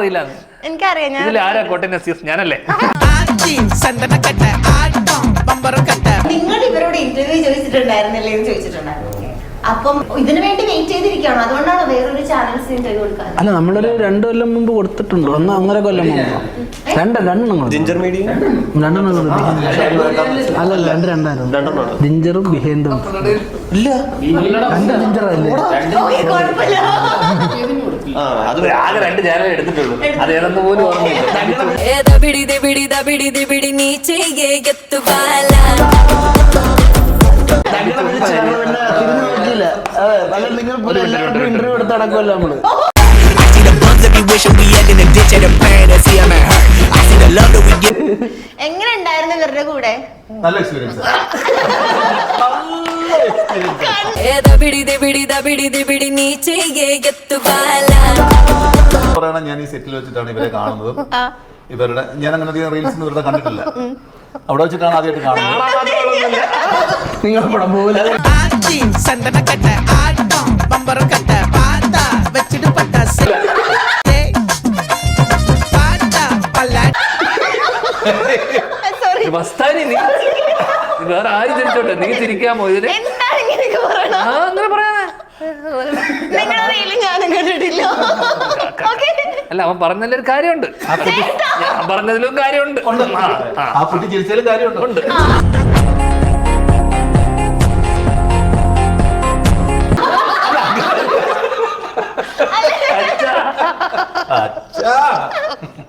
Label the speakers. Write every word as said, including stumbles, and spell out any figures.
Speaker 1: അറിയില്ല.
Speaker 2: എനിക്കറിയാം.
Speaker 1: ഇതിൽ ആരാ കോട്ടയം നസീർ? ഞാനല്ലേ?
Speaker 2: നിങ്ങൾ ഇവരോട് ഇന്റർവ്യൂ ചോദിച്ചിട്ടുണ്ടായിരുന്നില്ലേ എന്ന് ചോദിച്ചിട്ടുണ്ടായിരുന്നു. അപ്പം ഇതിനു വേണ്ടി വെയിറ്റ് ചെയ്തിരിക്കുകയാണോ? അതുകൊണ്ടാണ് വേറൊരു ചാനൽസ് ഇന്റർവ്യൂ കൊടുക്കാൻ?
Speaker 3: അല്ല, നമ്മളൊരു രണ്ടു കൊല്ലം മുമ്പ് കൊടുത്തിട്ടുണ്ട്. ഒന്ന് ഒന്നര കൊല്ലം മുമ്പ് രണ്ട് രണ്ടെണ്ണം രണ്ടെണ്ണം അല്ലല്ല രണ്ട് രണ്ടായിരുന്നു. ജിഞ്ചറും ബിഹേന്ദും ഇല്ല, രണ്ട് ജിഞ്ചറല്ലേ?
Speaker 1: ആകെ രണ്ട് ചാനൽ എടുത്തിട്ടുള്ളൂ. അത് ഏതെന്ന് പോലും ഓർമ്മയില്ല.
Speaker 3: ഇന്റർവ്യൂ എടുത്ത് നടക്കുമല്ലോ നമ്മള്.
Speaker 2: എങ്ങനെ ഉണ്ടായിരുന്നു ഇവരുടെ കൂടെ?
Speaker 4: നല്ല എക്സ്പീരിയൻസ്. പറയണ ഞാൻ ഈ സെറ്റിൽ വെച്ചിട്ടാണ് ഇവരെ കാണുന്നത്. ഇവരുടെ ഞാൻ അങ്ങനെ അധികം റീൽസ് ഇവരുടെ കണ്ടിട്ടില്ല. അവിടെ വെച്ചിട്ടാണ് ആദ്യമായിട്ട് കാണുന്നത്.
Speaker 3: നിങ്ങൾ പടം പോലെ
Speaker 1: വേറെ ആരും ചിരിച്ചോട്ടെ, നീ ചിരിക്കാമോ ഇതിന്? അങ്ങനെ പറയാനാ? അല്ല, അവൻ പറഞ്ഞതിലൊരു കാര്യമുണ്ട്. ഞാൻ പറഞ്ഞതിലും കാര്യമുണ്ട്.
Speaker 4: ആ കുട്ടി ചിരിച്ചാലും കാര്യമുണ്ട്. അച്ഛാ